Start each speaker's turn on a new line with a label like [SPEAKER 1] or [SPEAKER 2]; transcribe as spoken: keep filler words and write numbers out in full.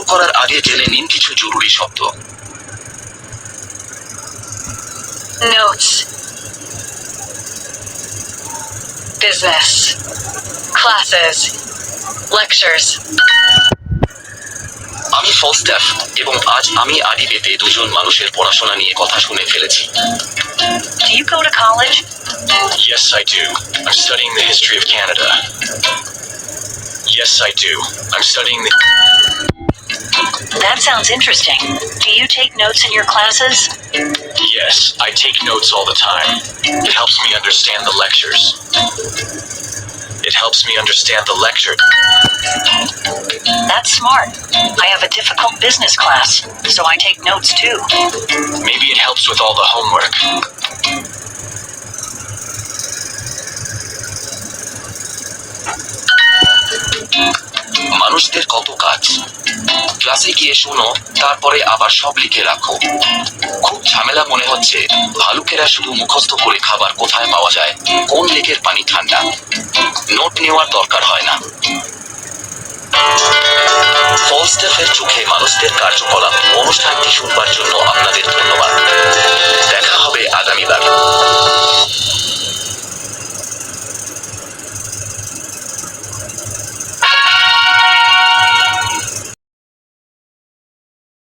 [SPEAKER 1] করার আগে জেনে নিন কিছু জরুরি শব্দ।
[SPEAKER 2] Notes. Business. Classes. Lectures.
[SPEAKER 1] আমি ফলস্ট্যাফ এবং আজ আমি আদিবেতে দুজন মানুষের পড়াশোনা নিয়ে কথা শুনে ফেলেছি।
[SPEAKER 2] Do you go to college?
[SPEAKER 1] Yes, I do. I'm studying the history of Canada. Yes, I do. I'm studying the...
[SPEAKER 2] That sounds interesting. Do you take notes in your classes?
[SPEAKER 1] Yes, I take notes all the time. It helps me understand the lectures. It helps me understand the lecture.
[SPEAKER 2] That's smart. I have a difficult business class, so I take notes too.
[SPEAKER 1] Maybe it helps with all the homework. মানুষদের কত কাজ। ক্লাসে গিয়ে শোনো, তারপরে আবার সব লিখে রাখো। খুব ঝামেলা মনে হচ্ছে। ভালুকেরা শুধু মুখস্থ করে খাবার কোথায় পাওয়া যায়, কোন লেকের পানি ঠান্ডা। নোট নেওয়ার দরকার হয় না। ফলস্ট্যাফের চোখে